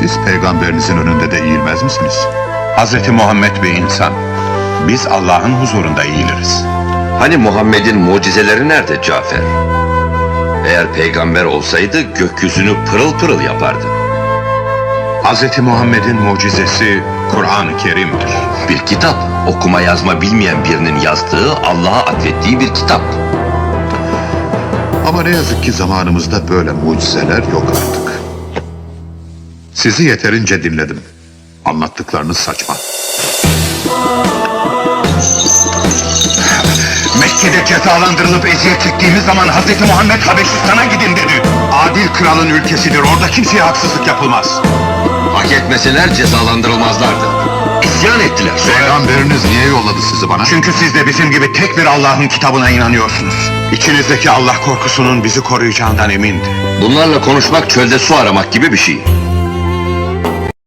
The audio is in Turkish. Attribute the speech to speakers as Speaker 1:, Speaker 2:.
Speaker 1: Siz peygamberinizin önünde de eğilmez misiniz?
Speaker 2: Hazreti Muhammed bir insan. Biz Allah'ın huzurunda eğiliriz.
Speaker 3: Hani Muhammed'in mucizeleri nerede Cafer? Eğer peygamber olsaydı gökyüzünü pırıl pırıl yapardı.
Speaker 2: Hazreti Muhammed'in mucizesi Kur'an-ı Kerim'dir.
Speaker 3: Bir kitap, okuma yazma bilmeyen birinin yazdığı, Allah'a atfettiği bir kitap.
Speaker 1: Ama ne yazık ki zamanımızda böyle mucizeler yok artık. Sizi yeterince dinledim. Anlattıklarınız saçma.
Speaker 2: Mekke'de cezalandırılıp eziyet çektiğimiz zaman Hazreti Muhammed Habeşistan'a gidin dedi. Adil kralın ülkesidir, orada kimseye haksızlık yapılmaz.
Speaker 3: Hak etmeseler cezalandırılmazlardı. İsyan ettiler.
Speaker 1: Peygamberiniz niye yolladı sizi bana?
Speaker 2: Çünkü siz de bizim gibi tek bir Allah'ın kitabına inanıyorsunuz. İçinizdeki Allah korkusunun bizi koruyacağından emindi.
Speaker 3: Bunlarla konuşmak çölde su aramak gibi bir şey.